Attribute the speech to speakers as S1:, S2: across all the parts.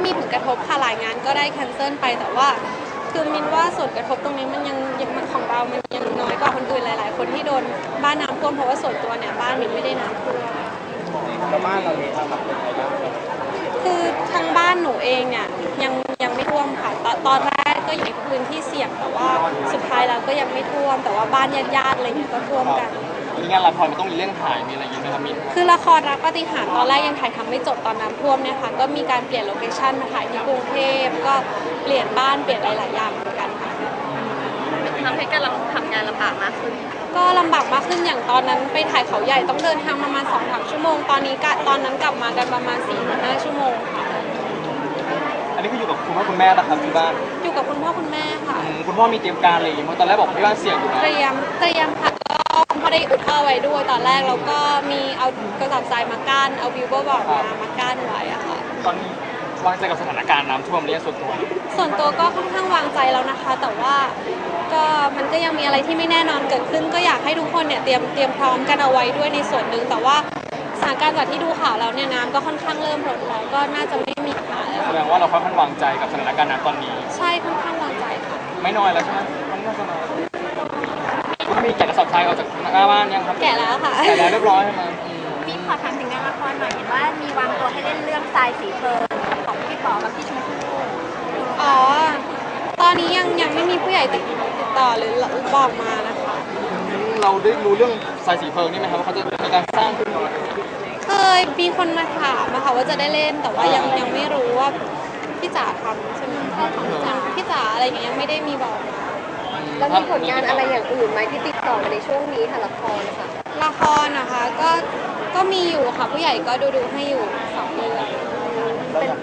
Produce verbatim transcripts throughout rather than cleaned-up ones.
S1: มีผลกระทบค่ะหลายงานก็ได้แคนเซิลไปแต่ว่าคือมินว่าส่วนกระทบตรงนี้มันยังยังของเรามันยังน้อยกว่าคนอื่นหลายๆคนที่โดนบ้านน้ำท่วมเพราะว่าส่วนตัวเนี่ยบ้านมินไม่ได้น้ำท่วม
S2: แล้วบ้านเราเองครับเป็นไงบ้าง
S1: คือทางบ้านหนูเองเนี่ยยังยังไม่ท่วมค่ะตตอนแรกก็อยู่ในพื้นที่เสี่ยงแต่ว่าสุดท้ายแล้วก็ยังไม่ท่วมแต่ว่าบ้านญาติๆอะไรเงี้ยก็ท่วมกัน
S2: มีงานละครมันต้องมีเรื่องถ่ายมีอะไรอย่างเงี้ยไหมครับมิน
S1: คือละครรักปาฏิหาริย์ตอนแรกยังถ่ายทำไม่จบตอนน้ำท่วมเนี่ยค่ะก็มีการเปลี่ยนโลเคชั่นมาถ่ายที่กรุงเทพก็เปลี่ยนบ้านเปลี่ยนหลายๆอย่างเหมือนกันค่ะ
S3: ทำให้การทำงานลำบากมากขึ้น
S1: ก็ลำบากมากขึ้นอย่างตอนนั้นไปถ่ายเขาใหญ่ต้องเดินทางประมาณสองสามชั่วโมงตอนนี้ตอนนั้นกลับมากันประมาณสี่ถึงห้าชั่วโมงค่ะ
S2: อันนี้คืออยู่กับคุณพ่อคุณแม่นะครับที่บ้าน
S1: อยู่กับคุณพ่อคุณแม่ค่ะ
S2: คุณพ่อมีเตรียมการอะไรอย่างเงี้ยตอนแรกบอกที่บ้านเสี่ยงอยู่นะ
S1: เตรียมเตรียมค่ะก็คุณพ่อได้อุดท่อไว้ด้วยตอนแรกแล้วก็มีเอากระสอบทรายมากั้นเอาวิวเบอร์บอร์ดมามากั้นไว้อะค่ะ
S2: ตอนนี้วางใจกับสถานการณ์น้ำท่วมเนี่ยส่วนตัว
S1: ส่วนตัวก็ค่อนข้างวางใจแล้วนะคะแต่ว่าก็มันก็ยังมีอะไรที่ไม่แน่นอนเกิดขึ้นก็อยากให้ทุกคนเนี่ยเตรียมเตรียมพร้อมกันเอาไว้ด้วยในส่วนหนึ่งแต่ว่าสถานการณ์จากที่ดูข่าวแล้วเนี่ยน้ำก็ค่อนข้างเริ่มลดแล้วก็น่าจะไม่มีปัญหาแล้ว
S2: แสดงว่าเราค่อนข้างวางใจกับสถานการณ์น้ำตอนนี้
S1: ใช่ค่อนข้างวางใจค่ะ
S2: ไม่น้อยแล้วใช่ไหมมันน่าจะน้อยคุณมีแกะกระสอบทรายออกจากหน้าบ้านยังครับ
S1: แกะแล้วค่ะ
S2: แกะแล้วเรียบร้อยใช่ไหม
S3: มีขอถามถึงงานละครหน่อยเห็นว่ามีวางตัวให้เล่นเรื่องทรายสีเพลิงของพี่ป๋อกับพี่ชมพู่
S1: อ๋อตอนนี้ยังยังไม่มีผู้ใหญ่ติดติดต่อหรือบอกมานะคะ
S2: เราได้รู้เรื่องทรายสีเพลิงนี่ไหมครับว่าเขาจะมีการสร้างขึ้นมา
S1: เคยมีคนมาถามนะคะว่าจะได้เล่นแต่ว่ายังยังไม่รู้ว่าพี่จ๋าทำใช่ไหมพี่จ๋าอะไรอย่างเงี้ยยังไม่ได้มีบอก
S3: แล้วมีผลงานอะไรอย่างอื่นไหมที่ติดต่อมาในช่วงนี้ค่ะละครนะคะ
S1: ละครนะคะก็ก็มีอยู่ค่ะผู้ใหญ่ก็ดูดูให้อยู่สองเรื่องเป็น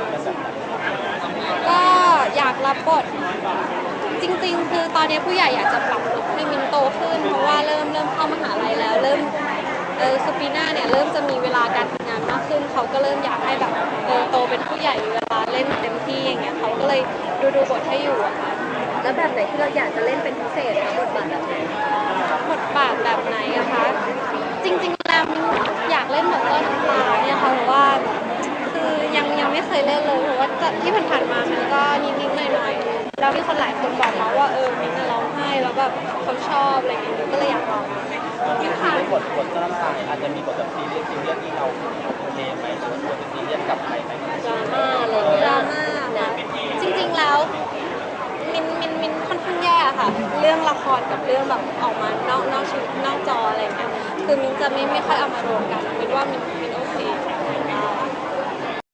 S1: ก็อยากรับบทจริงๆคือตอนนี้ผู้ใหญ่อยากจะปรับลุคให้มินโตขึ้นเพราะว่าเริ่มเริ่มเข้ามหาลัยแล้วเริ่มเออคือปีหน้าเนี่ยเริ่มจะมีเวลาการทำงานมากขึ้นเขาก็เริ่มอยากให้แบบเออโตเป็นผู้ใหญ่มีเวลาเล่นเต็มที่อย่างเงี้ยเขาก็เลยดูดูบทให้อยู่อะค่ะ
S3: แล้วแบบไหนที่เราอยากจะเล่นเป็นพิเศษคะบทบาทแบบไหน
S1: บทบาทแบบไหนอะคะจริงๆแล้วมินอยากเล่นแบบเล่นปลาเนี่ยค่ะเพราะว่าคือยังยังไม่เคยเล่นเลยเพราะว่าที่ผ่านๆมามันก็นิดๆหน่อยๆแล้วมีคนหลายคนบอกมาว่าเออมินจะร้องไห้แล้วแบบเขาชอบอะไรอย่างเงี้ยก็เลยอยากลอง
S2: ที่ผ่านบทบทน้ำตาอาจจะมีบทแบบซีเรียสซีเรียสที่เราโอเคไหมหรือว่าบทซีเรียสกับใครไหม
S1: ดราม่าเลยดราม่านะจริงๆแล้วมินมินมินค่อนข้างแย่ค่ะเรื่องละครกับเรื่องแบบออกมานอกนอกชีวิตนอกจออะไรเงี้ยคือมินจะไม่ไม่ค่อยเอามารวมกันมินว่ามิน